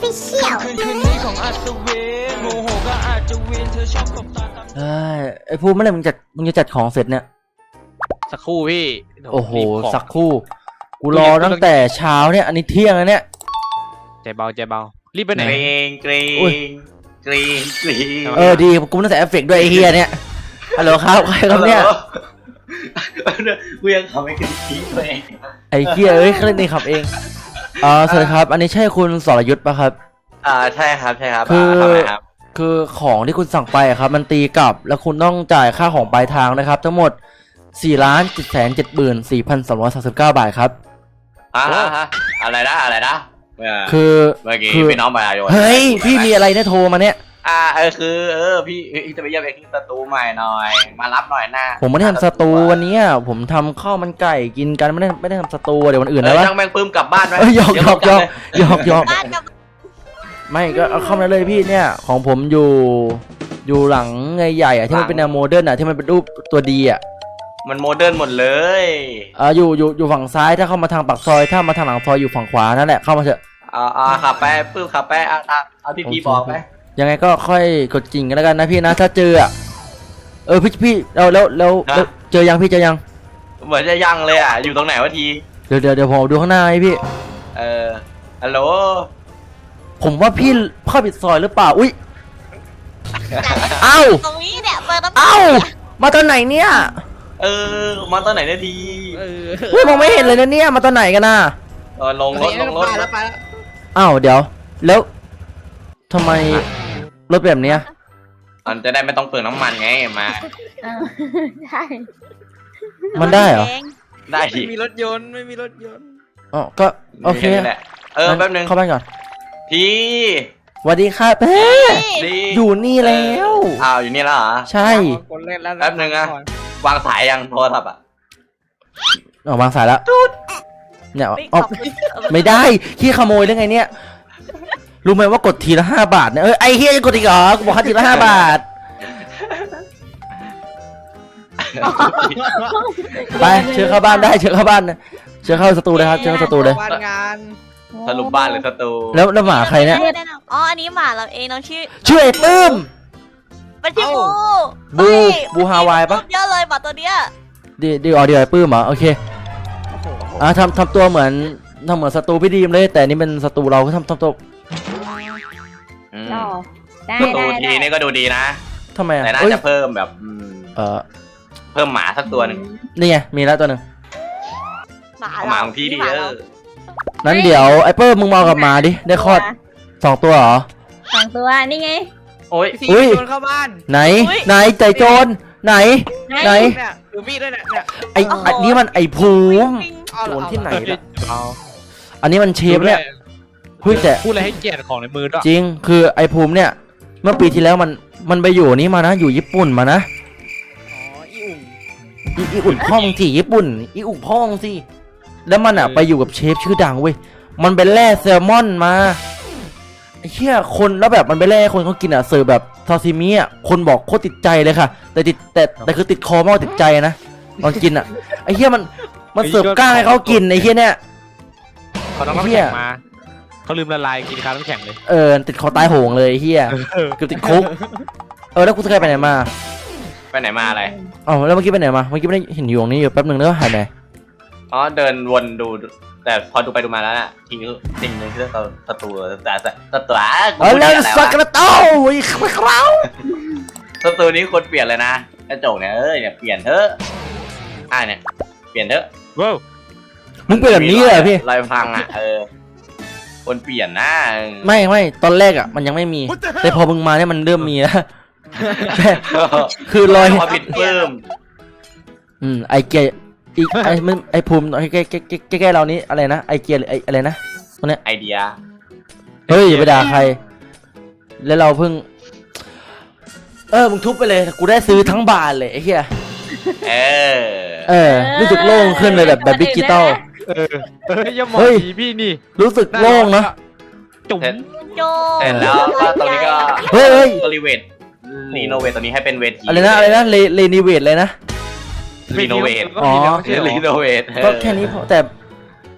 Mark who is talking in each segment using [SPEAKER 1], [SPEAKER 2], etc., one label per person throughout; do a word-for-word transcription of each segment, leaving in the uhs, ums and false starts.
[SPEAKER 1] Official
[SPEAKER 2] เอ้ยไอ้พูดเมื่อไหร่มึงจัดมึงจะจัดของเสร็จเนี่ย
[SPEAKER 3] สักครู่พี่
[SPEAKER 2] โอ้โหสักครู่กูรอตั้งแต่เช้าเนี่ยอันนี้เที่ยงแล้วเนี่ย
[SPEAKER 3] ใจเบาใจเบารีบไปไหน
[SPEAKER 4] เกรงเกรงเกรงเกรง
[SPEAKER 2] เออดีกูต้องใส่เอฟเฟกต์ด้วยไอ้เฮียเนี่ยฮัลโหลครับใครครับเนี่ย
[SPEAKER 4] กูยังทำไม่กินทีตัวเอง
[SPEAKER 2] ไอ้เฮียเอ้ยเครื่องนี้ขับเองอ่าสวัสดีครับอันนี้ใช่คุณสรยุทธ์ป่ะครับ
[SPEAKER 4] อ่าใช่ครับใช่ครับ
[SPEAKER 2] คือคือของที่คุณสั่งไปครับมันตีกลับแล้วคุณต้องจ่ายค่าของปลายทางนะครับทั้งหมดสี่ล้านเจ็ดแสนเจ็ดหมื่นสี่พันสองร้อยสามสิบเก้าบาทครับ
[SPEAKER 4] อ่าอะไรนะอะไรนะ
[SPEAKER 2] คือ
[SPEAKER 4] เมื่อกี้พี่น้องมาโยน
[SPEAKER 2] เฮ้ยพี่มีอะไรเนี่ยโทรมาเนี่ย
[SPEAKER 4] อ่าเออคือเออพี่จะไปเยี่ยมไอ้ที่สตูใหม่หน่อยมารับหน่อยหน้า
[SPEAKER 2] ผมไม่ได้ทำสตูวันนี้ผมทำข้าวมันไก่กินกันไม่ได้ไม่ได้ทำสตูเดี๋ยววันอื่นนะวะ
[SPEAKER 4] ช่างแมงปื้มกลับบ้านไหม
[SPEAKER 2] หยอกหยอกหยอกหยอกหยอกไม่ก็เอาเข้ามาเลยพี่เนี่ยของผมอยู่อยู่หลังใหญ่ๆอ่ะที่มันเป็นแนวโมเดิร์นอ่ะที่มันเป็นรูปตัวดีอ่ะ
[SPEAKER 4] มันโมเดิร์นหมดเลย
[SPEAKER 2] อ่าอยู่อยู่อยู่ฝั่งซ้ายถ้าเข้ามาทางปากซอยถ้ามาทางหลังซอยอยู่ฝั่งขวานั่นแหละเข้ามาเถอะ
[SPEAKER 4] อ่าอ่าขับไปปื้มขับไปอ่าเอาที่พี่บอกไป
[SPEAKER 2] ยังไงก็ค่อยกดกิ่งกันแล้วกันนะพี่นะถ้าเจออ่ะเออพี่พี่เราแล้วแล้วเจอยังพี่เจอยัง
[SPEAKER 4] เหมือนจะยังเลยอ่ะอยู่ตรงไหนวะที
[SPEAKER 2] เดี๋ยวเดี๋ยวเดี๋ยวผมดูข้างหน้าให้พี่
[SPEAKER 4] เออฮัลโหล
[SPEAKER 2] ผมว่าพี่เข้าผิดซอยหรือเปล่าอุ้ยเอ้า
[SPEAKER 1] ตรงนี้เนี่ยเปิดน้ำ
[SPEAKER 2] เอ้ามาตอนไหนเนี่ย
[SPEAKER 4] เออมาตอนไหนนาที
[SPEAKER 2] เฮ้ยมองไม่เห็นเลยนะเนี่ยมาตอนไหนกันน่ะ
[SPEAKER 4] เออลงรถลงรถแล้วไปแล้ว
[SPEAKER 2] อ้าวเดี๋ยวแล้วทำไมรถแบบเนี้ย
[SPEAKER 4] มันจะได้ไม่ต้องเปลืองน้ำมันไงมา
[SPEAKER 1] ใช่
[SPEAKER 2] มันได้เหรอ
[SPEAKER 4] ได้
[SPEAKER 3] ไม่มีรถยนต์ไม่มีรถยนต์
[SPEAKER 2] อ๋อก็โอเค
[SPEAKER 4] เออแป๊บนึง
[SPEAKER 2] เข้าบ้านก่อน
[SPEAKER 4] พี่
[SPEAKER 2] สวัสดีครับเฮ้อยู่นี่แล้ว
[SPEAKER 4] อ้าวอยู่นี่แล้วเหรอ
[SPEAKER 2] ใช่
[SPEAKER 4] แป๊บนึงอะวางสายยังโทรศัพท์อะ
[SPEAKER 2] อ๋อวางสายแล้วเนี่ยอ๋อไม่ได้ขี้ขโมยได้ไงเนี่ยรู้ไหมว่ากดทีละห้าบาทเนี่ยเออไอ้เฮียจะกดอีกเหรอกูบอกทีละห้าบาทไปเชิญเข้าบ้านได้เชิญเข้าบ้านเชิญเข้าสตูเลยครับเชิญเข้าสตูเลย
[SPEAKER 4] สรุปบ้านหรือสตู
[SPEAKER 2] แล้วแล้วหมาใครเนี่ย
[SPEAKER 1] อ๋ออันนี้หมาเราเองน้องชื่อ
[SPEAKER 2] ชื่อไอ้ปื้ม
[SPEAKER 1] เป็นชื่อบู
[SPEAKER 2] บูบูฮาวายปะ
[SPEAKER 1] เยอะเลยหมาตัวเนี้ย
[SPEAKER 2] ดีดีอ๋อเดี๋ยวไอ้ปื้มเหรอโอเคอ่ะทำทำตัวเหมือนทำเหมือนสตูพี่ดีมเลยแต่นี่เป็นสตูเราก็ทำทำตัว
[SPEAKER 4] สตูทีนี่ก็ดูดีนะ
[SPEAKER 2] ทำไม
[SPEAKER 4] แต่น่าจะเพิ่มแบบ
[SPEAKER 2] เออ
[SPEAKER 4] เพิ่มหมาสักตัวหนึ่ง
[SPEAKER 2] นี่ไงมีแล้วตัวหนึ่ง
[SPEAKER 1] หมา
[SPEAKER 4] หมาของพี่ดิเออ
[SPEAKER 2] นั้นเดี๋ยวไอ้เปิ้ลมึงมองกับหมาดิได้คลอดสองตัวเหรอ
[SPEAKER 1] สองตัวนี่ไง
[SPEAKER 3] โอ้ยโจรเข้าบ้าน
[SPEAKER 2] ไหนไหนใจโจรไหนไหน
[SPEAKER 3] ดูมีดด้วยเนี่ย
[SPEAKER 2] ไอ้อันนี้มันไอ้ภูมิโจรที่ไหนล่ะอันนี้มันเชฟเนี่ยพูดแต่
[SPEAKER 3] พูดอะไรให้เกียรติของในมือด้วย
[SPEAKER 2] จริงคือไอ้ภูมิเนี่ยเมื่อปีที่แล้วมันมันไปอยู่นี่มานะอยู่ญี่ปุ่นมานะ
[SPEAKER 3] อ๋ออีอุ่น
[SPEAKER 2] อีอุ่นพ่องสิญี่ปุ่นอีอุ่นพ่องสิแล้วมันอ่ะไปอยู่กับเชฟชื่อดังเว้ยมันไปแล่แซลมอนมาไอ้เหี้ยคนแล้วแบบมันไปแล่คนเขากินอ่ะเสิร์ฟแบบซาซิมิอ่ะคนบอกโคตรติดใจเลยค่ะแต่ติดแต่แต่คือติดคอมากติดใจนะตอนกินอ่ะไอ้เหี้ยมันมันเสิร์ฟก้างให้เขากินไอ้เหี้ยเนี่ย
[SPEAKER 3] เขาต้องน้ำแข็งมาเขาลืมละลายกินข้าวน้ำแข็งเลย
[SPEAKER 2] เออติดคอตายโหงเลยเฮียเกือบติดคุกเออแล้วกูจะไปไหนมา
[SPEAKER 4] ไปไหนมาอะไร
[SPEAKER 2] อ๋อแล้วเมื่อกี้ไปไหนมาเมื่อกี้ไม่ได้เห็นอยู่ตรงนี้อยู่แป๊บหนึ่งแล้วหายไป
[SPEAKER 4] อ๋อเดินวนดูแต่พอดูไปดูมาแล้วน่ะทีนี้สิ่งหนึ่งที่เราสตูแต่สตู
[SPEAKER 2] เออแล้วสักกระเต้าอีกคราว
[SPEAKER 4] สตูนี้คนเปลี่ยนเลยนะกระจกเนี่ยเออเนี่ยเปลี่ยนเถอะอ่าเนี่ยเปลี่ยนเถอะ
[SPEAKER 3] ว้าว
[SPEAKER 2] มึงเป็นแบบนี้เลยพี่
[SPEAKER 4] ลอยพังอ่ะเออคนเปลี่ยนนะ
[SPEAKER 2] ไม่ไม่ตอนแรกอ่ะมันยังไม่มีแต่พอมึงมาเนี่ยมันเริ่มมีแล้วคือรอย
[SPEAKER 4] ผิดเพิ่ม
[SPEAKER 2] อืมไอเกียอีกไอมันไอภูมิใกล้ใกล้ใกล้ใกล้เรานี้อะไรนะไอเกียหรือไออะไรนะตัวเนี้ย
[SPEAKER 4] ไอเดีย
[SPEAKER 2] เฮ้ยอย่าไปด่าใครแล้วเราเพิ่งเออมึงทุบไปเลยกูได้ซื้อทั้งบานเลยไอ้เหี้ย
[SPEAKER 4] เออ
[SPEAKER 2] เออรู้สึกโล่งขึ้นเลยแบบแบบดิจิตอล
[SPEAKER 3] เออเฮ้ยอย่ามองผีพี่นี่
[SPEAKER 2] รู้สึกโล่งนะ
[SPEAKER 3] จุ๋ม
[SPEAKER 1] โจ
[SPEAKER 4] เสร็จแล้วก็ตรงนี้ก็
[SPEAKER 2] เฮ้ย
[SPEAKER 4] รีเวทรีโนเวทตัวนี้ให้เป็นเวที
[SPEAKER 2] อะไรนะอะไรนะเรเรนิเวทเลยนะ
[SPEAKER 4] รีโนเวท
[SPEAKER 2] อ๋อ
[SPEAKER 4] รีโนเวท
[SPEAKER 2] ก็แค่นี้พอแต่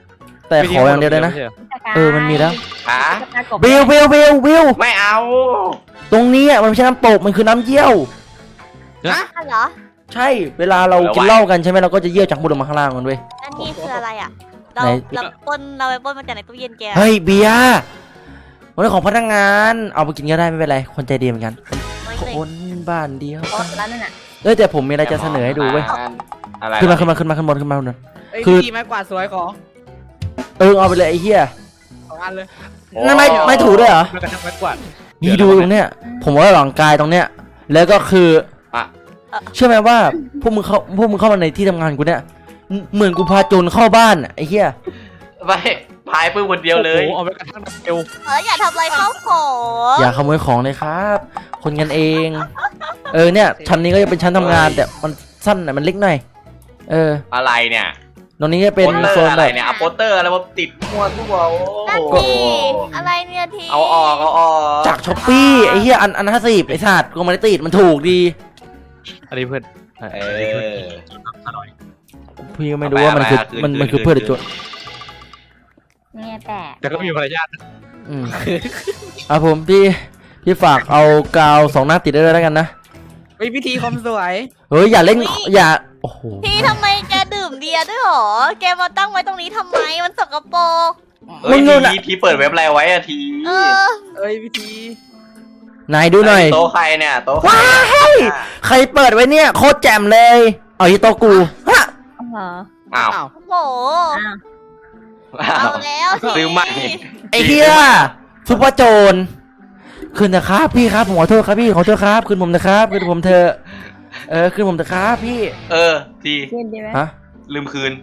[SPEAKER 2] แต่ขออย่างเดียวเลยนะ เออมันมีแล้ว
[SPEAKER 4] หา
[SPEAKER 2] เบลเบลเบลเบล
[SPEAKER 4] ไม่เอา
[SPEAKER 2] ตรงนี้อ่ะมันไม่ใช่น้ำตกมันคือน้ำเยี่ยว
[SPEAKER 1] อ่ะเหรอ
[SPEAKER 2] ใช่เวลาเรากินเหล้ากันใช่ไหมเราก็จะเยี่ยวจากข้างบนลงมาข้างล่างมันเว้ย
[SPEAKER 1] อันนี้คืออะไรอ่ะ เรา
[SPEAKER 2] ไหน
[SPEAKER 1] เราปล้นเราไปปล้นมาจากในตู้เย็นแก
[SPEAKER 2] เฮ้ยเบียร์มันเป็นของพนักงานเอาไปกินก็ได้ไม่เป็นไรคนใจดีเหมือนกัน
[SPEAKER 1] ไม่
[SPEAKER 2] ค
[SPEAKER 1] เลย
[SPEAKER 2] นบ้านเดียว
[SPEAKER 1] อ๋อแล้วนั่นน่ะ
[SPEAKER 2] เอ้ยแต่ผมมีอะไรจะเสนอให้ดูเว้ย
[SPEAKER 4] อะไร
[SPEAKER 2] ขึ้นมาขึ้นมาขึ้นมาขึ้นบนขึ้นมาขึ้นบน
[SPEAKER 5] เอ้ย
[SPEAKER 2] คือ
[SPEAKER 5] พี่ไม้กวาดสวยของ
[SPEAKER 2] เออเอาไปเลยไอ้เหี้ย
[SPEAKER 5] สองอันเลย
[SPEAKER 2] นั่นไม่ไม่ถูด้วยเหรอ
[SPEAKER 3] มันกระทั่งไม้กวาด
[SPEAKER 2] นี่ดูตรงเนี้ยผมว่าหลังกายตรงเนี้ยแล้วก็คือ
[SPEAKER 4] อ่ะ
[SPEAKER 2] เชื่อไหมว่าพวกมึงเข้าพวกมึงเข้ามาในที่ทำงานกูเนี่ยเหมือนกูพาโจรเข้าบ้านอะไอ้เหี้ย
[SPEAKER 4] ไม่พายปื้มคนเดียวเลย
[SPEAKER 3] โอ้โหเอาไปกระทั่งเอว
[SPEAKER 1] เอออย่าทำอะไรเข้าของ
[SPEAKER 2] อย่าขโมยของเลยครับ คนกันเอง เออเนี่ยชั้นนี้ก็จะเป็นชั้นทำงานแต่มันสั้นหน่อยมันเล็กหน่อยเออ
[SPEAKER 4] อะไรเนี่ย
[SPEAKER 2] ตรงนี้จะเป็น
[SPEAKER 4] โปสเตอ
[SPEAKER 2] โซ
[SPEAKER 4] ร์
[SPEAKER 2] น
[SPEAKER 4] อะ
[SPEAKER 2] แบ
[SPEAKER 4] ไร
[SPEAKER 2] บ
[SPEAKER 4] เนี่ยเอาโปสเตอร์อะไรมาติดมั่วทั่วโอ้
[SPEAKER 1] นั่น
[SPEAKER 4] โห
[SPEAKER 1] ดิอะไรเนี่ยที
[SPEAKER 4] เอาออกเอาออก
[SPEAKER 2] จากช้อปปี้ไอ้เหี้ยอันอันห้าสิบไอ้สัตว์กูไมาได้ติดมันถูกดี
[SPEAKER 3] อันนี้เพื่อน
[SPEAKER 4] เออ
[SPEAKER 3] อร่อย
[SPEAKER 2] พี่ก็ไม่รู้ว่ามันคือ
[SPEAKER 4] เอาไปเอาไป
[SPEAKER 2] มัน
[SPEAKER 4] คืน
[SPEAKER 2] มันคือ
[SPEAKER 4] คืน
[SPEAKER 2] เพื่อนหรือโจร
[SPEAKER 1] เนี่ยแต่
[SPEAKER 3] แต่ก็มีมารยาท
[SPEAKER 2] อืมอ่ะผมพี่พี่ฝากเอากาวสองหน้าติดได้เลยแล้วกันนะ
[SPEAKER 5] เฮ้ยพิธีความสวย
[SPEAKER 2] เฮ้ยอย่าเล่นอย่าโอ้โห
[SPEAKER 1] พี่ทำไมแกดื่มเบียร์ด้วยหรอ แกมาตั้งไว้ตรงนี้ทำไมมันสกปรก
[SPEAKER 4] เฮ้ยทีทีเปิดเว็บอะไรไว้อะที
[SPEAKER 1] เออ
[SPEAKER 5] เอ้ยพิธี
[SPEAKER 2] นายดูหน่อย
[SPEAKER 4] โต๊ะใครเนี่ยโต๊ะใคร
[SPEAKER 2] ว้ายใครเปิดไว้เนี่ยโคตรแจ่มเลยเอาที่โต๊ะกูฮะ
[SPEAKER 1] เหรอ
[SPEAKER 4] อ้าว
[SPEAKER 5] อ้าว
[SPEAKER 1] โอ้โหเอาแล้วสิ
[SPEAKER 4] ซื้อใหม่
[SPEAKER 2] ไอ้เหี้ยซุปเปอร์โจรคืนนะครับพี่ครับผมขอโทษครับพี่ขอโทษครับคืนผมนะครับคืนผมเถอะเออคืนผมเถอะครับพี่
[SPEAKER 4] เออที
[SPEAKER 1] เย็นดีไหม
[SPEAKER 2] ฮะ
[SPEAKER 4] ลืมคืน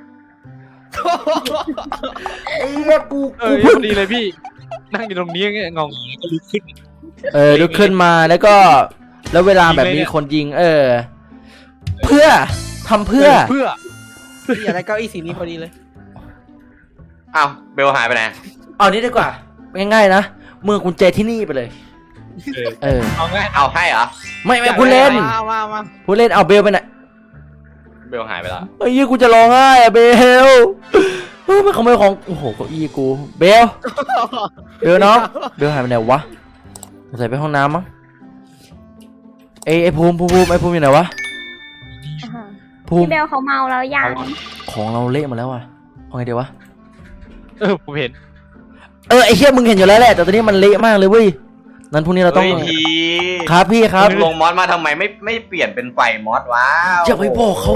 [SPEAKER 2] ไอ้เหี้ยกู
[SPEAKER 3] เอ
[SPEAKER 2] กู
[SPEAKER 3] อพ
[SPEAKER 2] เพิ่ง
[SPEAKER 3] อดีเลยพี่ นั่งอยู่ตรงนี้เงาก็ลุกขึ้น
[SPEAKER 2] เออลุกขึ้นมาแล้วก็ แล้วเวลาแบบมีคนยิง เออ เพื่อทำเพื่อ
[SPEAKER 3] เพื่อ
[SPEAKER 5] พี่อยากได้เก้าอี้สีนี้พอดีเลย
[SPEAKER 4] อ้าวเบลหายไปไหน
[SPEAKER 2] เอานี้ดีกว่าง่ายๆนะเมื่อกุญแจที่นี่ไปเลย
[SPEAKER 3] เออ
[SPEAKER 2] เออ
[SPEAKER 3] เอาง่าย
[SPEAKER 4] เอาให้เหรอ
[SPEAKER 2] ไม่ไม่พูดเล่น
[SPEAKER 5] มามามา
[SPEAKER 2] พูดเล่นเอาเบลไปไหน
[SPEAKER 4] เบลหายไปแล้ว
[SPEAKER 2] ไอ้ยี่กูจะร้องไห้อะเบลเฮ้ยมันขโมยของโอ้โหเก้าอี้กูเบลเบลน้องเบลหายไปไหนวะสงสัยไปห้องน้ำมั้งไอ้ไอ้ภูมิภูมิภูมิไอ้ภูมิอยู่ไหนวะภูมิ
[SPEAKER 1] พี่เบลเขาเมาแล้วยัง
[SPEAKER 2] ของเราเละหมดแล้วอะเอาไงเดี๋ยววะ
[SPEAKER 3] เออผมเห็น
[SPEAKER 2] เออไอ้เหี้ยมึงเห็นอยู่แล้วแหละแต่ตอนนี้มันเละมากเลยเว้ยนั้นพรุ่งนี้เราต้อง
[SPEAKER 4] เฮ้ยที
[SPEAKER 2] ครับพี่ครับ
[SPEAKER 4] ลงมอสมาทำไมไม่ไม่เปลี่ยนเป็นไฟมอสวะ
[SPEAKER 2] อย่าไปบอกเขา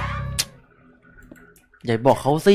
[SPEAKER 2] อย่าบอกเขาสิ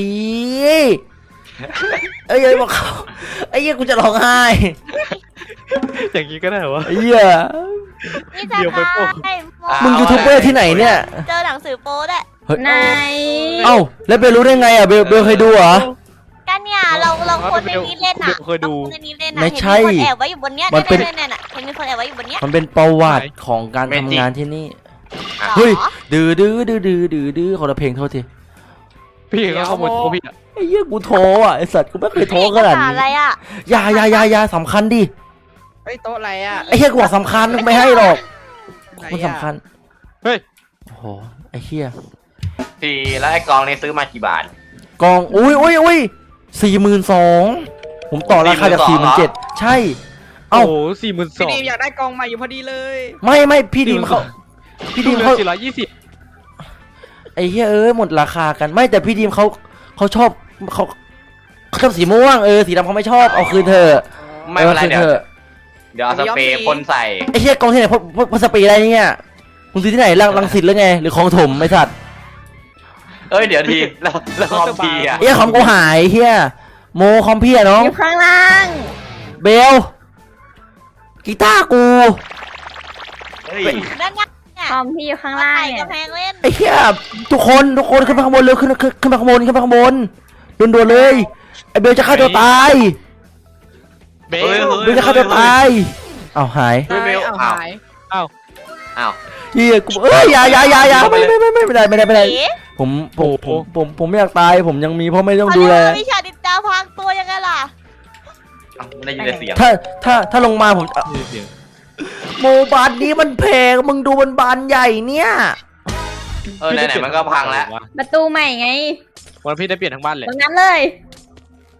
[SPEAKER 2] เอ้ยอย่าไปบอกเขาไอ้เหี้ยกูจะร้องไห้
[SPEAKER 3] อย่างนี้ก็ได้เหรอวะ
[SPEAKER 2] ไอ้เหี้ย
[SPEAKER 1] นี่จะ
[SPEAKER 3] เดี๋ยวไปโป้
[SPEAKER 1] พาย
[SPEAKER 2] มึงยูทูบเบอร์ที่ไหนเนี่ย
[SPEAKER 1] เจอหนังสือโป๊ด้วย
[SPEAKER 2] เฮ้ย
[SPEAKER 1] ใน
[SPEAKER 2] เอ้าแล้วเบลรู้ได้ไงอ่ะเบลเบลเคยดูเหรอ
[SPEAKER 1] กันเนี่ยเราเราคนในนี้เล่นอ่ะ
[SPEAKER 3] เคยดู
[SPEAKER 1] ราคนในนี้เล่นอ่ะ
[SPEAKER 2] ไม่ใช่
[SPEAKER 1] เห็นมีคนแอบไว้อยู่บนเนี้ย
[SPEAKER 2] มันเป็น
[SPEAKER 1] เนี่ยเนี่ยเนี่ยเห็นมีคนแอบไว้อยู่บนเนี้ย
[SPEAKER 2] มันเป็นประวัติของการทำงานที่นี่
[SPEAKER 1] หรอ
[SPEAKER 2] เฮ้ย ดื้อดื้อดื้อดื้อดื้อดื้อคนละเพลงโทษที
[SPEAKER 3] พี่เขาขโมยโต๊ะพี่อะ
[SPEAKER 2] ไอ้เหี้ยกูโทรอ่ะไอ้สัตว์กูไม่เคยโทรขนาด
[SPEAKER 1] เอกสร
[SPEAKER 2] นี้
[SPEAKER 1] อะไรอ่ะ
[SPEAKER 2] อยาอยาอยาอยาสำคัญดิ
[SPEAKER 5] เฮ้ยโต๊ะอะไรอ่ะ
[SPEAKER 2] ไอ้เหี้ยกูบอกสำคัญไม่ให้หรอก
[SPEAKER 5] ไหน
[SPEAKER 2] มัน
[SPEAKER 5] อะ
[SPEAKER 2] สำคัญ
[SPEAKER 3] เฮ้ย
[SPEAKER 2] โอ้โหไอ้เหี้ย
[SPEAKER 4] ทีแล้วไอ้กองนี่ซื้อมากี่บาท
[SPEAKER 2] กองอุ้ยอุ้ยอุ้ยสี่หมื่นสองผมต่อราคาจากสี่หมื่นเจ็ด
[SPEAKER 4] เหรอ
[SPEAKER 2] ใช่ เอ้า
[SPEAKER 3] โอ้โหสี่หมื่นส
[SPEAKER 5] พี่
[SPEAKER 3] อง
[SPEAKER 5] ดีมอยากได้กองใหม่อยู่พอดีเลย
[SPEAKER 2] ไม่ไม่พี่ดีมเขาพี่ดีมเขา
[SPEAKER 3] สี่ร้อยยี่สิบ
[SPEAKER 2] ไอ้เหี้ยเอ้ยหมดราคากันไม่แต่พี่ดีมเขาเขาชอบเขาเขาชอบสีม่วงเออสีดำเขาไม่ชอบเอาคืนเธอะ
[SPEAKER 4] ไม่เป็นไร
[SPEAKER 2] อาคื
[SPEAKER 4] เดี๋ยว
[SPEAKER 2] ถอะ
[SPEAKER 4] เดี๋ยวเอาสเปรย์พ่นใส่
[SPEAKER 2] ไอ้เหี้ยกองที่ไหนพวกพวกพวกสปีอะไรเนี่ยคุณซื้อที่ไหนลังลังสิตหรือไงหรือคลองถมไอ้สัตว์
[SPEAKER 4] เอ้ยเดี๋ยวทีแล้วแล้วคอมทีอ่ะ
[SPEAKER 2] ไอ้เหี้ยคอมกูหายไอ้เหี้ยโมคอมพี่อะน้อง
[SPEAKER 1] อยู่ข้างล่าง
[SPEAKER 2] เบลกีตาร์กู
[SPEAKER 4] เฮ้ย
[SPEAKER 1] นั่นไงเนี่ย
[SPEAKER 6] คอมพี่อยู่ข้างล่าง
[SPEAKER 1] ไข่
[SPEAKER 6] เนี่
[SPEAKER 1] ก
[SPEAKER 6] ย
[SPEAKER 1] ระแพงเล่น
[SPEAKER 2] ไอ้เหี้ยทุกคนทุกคนขึ้นมาข้างบนเร็วขึ้นขึ้นขึ้นมาข้างบนขึ้นมาข้างบนด่วนๆเลยไอ้เบลจะฆ่าตัวตาย
[SPEAKER 3] เบล
[SPEAKER 4] เฮ้ย
[SPEAKER 2] เบลจะฆ่าตัวตายอ้าวหาย
[SPEAKER 4] เฮ้ยเบล
[SPEAKER 5] เอา
[SPEAKER 4] อ้าว
[SPEAKER 5] หาย
[SPEAKER 4] อ้าว
[SPEAKER 2] เฮียกูเอ้ยอย่าอย่าอย่าอย่าไม่ไม่ไม่ไม่ไม่ได้ไม่ได้ไม่ได้
[SPEAKER 1] เอ๋
[SPEAKER 2] ผมผมผมผมผมไม่อยากตายผมยังมีพ่อแม่ต้องดูแล
[SPEAKER 1] เขาเรียกว่าวิชาดินดาพรางตัวยังไงล่ะ
[SPEAKER 4] อ้าวไม่ได้ยินแต่เสียง
[SPEAKER 2] ถ้าถ้าถ้าลงมาผมอ่ะ
[SPEAKER 3] นี่เสียง
[SPEAKER 2] โมบานนี้มันแพงมึงดูมันบานใหญ่เนี่ย
[SPEAKER 4] เออไหนๆมันก็พังแล้ว
[SPEAKER 6] ประตูใหม่ไง
[SPEAKER 3] วันพี่ได้เปลี่ยนทั้งบ้านเลย
[SPEAKER 6] ตรงนั้นเลย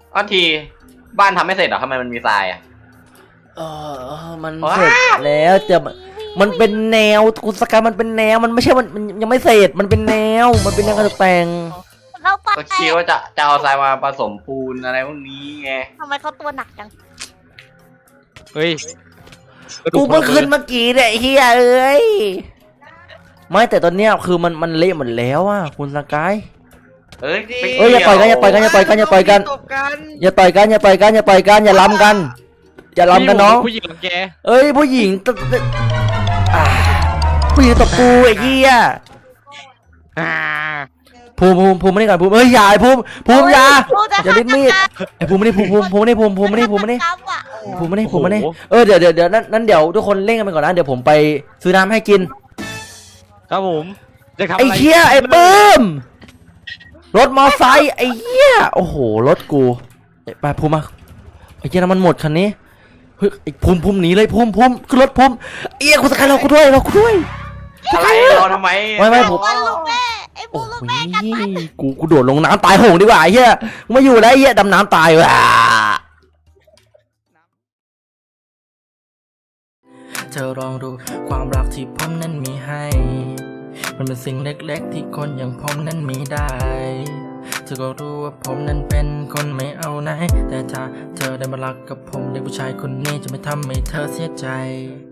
[SPEAKER 4] อ้าวทีบ้านทำไม่เสร็จเหรอทำไมมันมีทรายอ่ะ
[SPEAKER 2] เออมัน
[SPEAKER 4] ว้า
[SPEAKER 2] เสร็จแล้วแต่มันมันเป็นแนวคุณสกายมันเป็นแนวมันไม่ใช่มันมันยังไม่เสร็จมันเป็นแนวมันเป็นแนวการตกแต่ง
[SPEAKER 1] เข้าไป
[SPEAKER 4] ก็คิดว่าจะจะเอาทรายมาผสมปูนอะไรพวกนี้ไง
[SPEAKER 1] ทำไมเขาตัวหนักจัง
[SPEAKER 3] เฮ้ย
[SPEAKER 2] กูเพิ่งขึ้นเมื่อกี้เนี่ยไอ้เฮียเอ้ยไม่แต่ตอนเนี้ยคือมันมันเละหมดแล้วอ่ะคุณสกาย
[SPEAKER 4] เอ้ยไม่
[SPEAKER 2] เอ้ยอย่าปล่อยกันอย่าปล่อยกันอย่าปล่อยกันอย่าปล่อยกัน
[SPEAKER 5] ตบกัน
[SPEAKER 2] อย่าต่อยกันอย่าต่อยกันอย่าต่อยกันอย่าล้ำกัน อย่าล้ำกันน้อง
[SPEAKER 3] ผู้หญิงรังแก
[SPEAKER 2] เอ้ยผู้หญิงตตอ่าผู้หญิงตบกูไอ้เหี้ย
[SPEAKER 3] อ่า
[SPEAKER 2] ภูมิภูมิภูมิไม่ได้ก่อนภูมิเอ้ยอย่าไอ้ภูมิภูมิอย่า
[SPEAKER 1] พูดจะ
[SPEAKER 2] อย่าลิ้นมีดไอ้ภูมิไม่ได้ภูมิภูมิภูมิไม่ได้ภูมิภูมิไม่ได้ภูมิไม่ได้
[SPEAKER 1] ครับอ่ะ
[SPEAKER 2] ภูมิไม่ได้ภูมิไม่ได้เออเดี๋ยวเดี๋ยวเดี๋ยวนั้นนั้นเดี๋ยวทุกคนเล่นกันไปก่อนนะเดี๋ยวผมไปซื้อน้ำให้กิน
[SPEAKER 3] ครับผมจะทำ
[SPEAKER 2] ไอ้
[SPEAKER 3] อะไร
[SPEAKER 2] เหี้ยไอ้ปื้มรถมอไซค์ไอ้เหี้ยโอ้โหรถกูไปภูมิมาไอ้เหี้ยน้ำมันหมดคันนี้เฮ้ยไอ้ภูมิภูมิหนีเลยภูมิภูมิขึ้นรถภูมิเอี้ยกูสกายเรากูด้วยเรากูด้วย
[SPEAKER 4] อะไรรอทำไม
[SPEAKER 2] ไม่ไม่ผม
[SPEAKER 1] วันลูกแม่ไอ้ปู
[SPEAKER 2] โอ้
[SPEAKER 1] ลูก
[SPEAKER 2] ย
[SPEAKER 1] แม่กันไป
[SPEAKER 2] กูกูโดดลงน้ำตายโหงดีกว่าไอ้เหี้ยกูไม่อยู่แล้วไอ้เหี้ยดำน้ำตายว่ะเธอลองดูความรักที่ผมนั้นมีให้ มันเป็นสิ่งเล็กๆที่คนอย่างผมนั้นมีได้เธอก็รู้ว่าผมนั้นเป็นคนไม่เอาไหนแต่ถ้าเธอได้มารักกับผมเด็กผู้ชายคนนี้จะไม่ทำให้เธอเสียใจ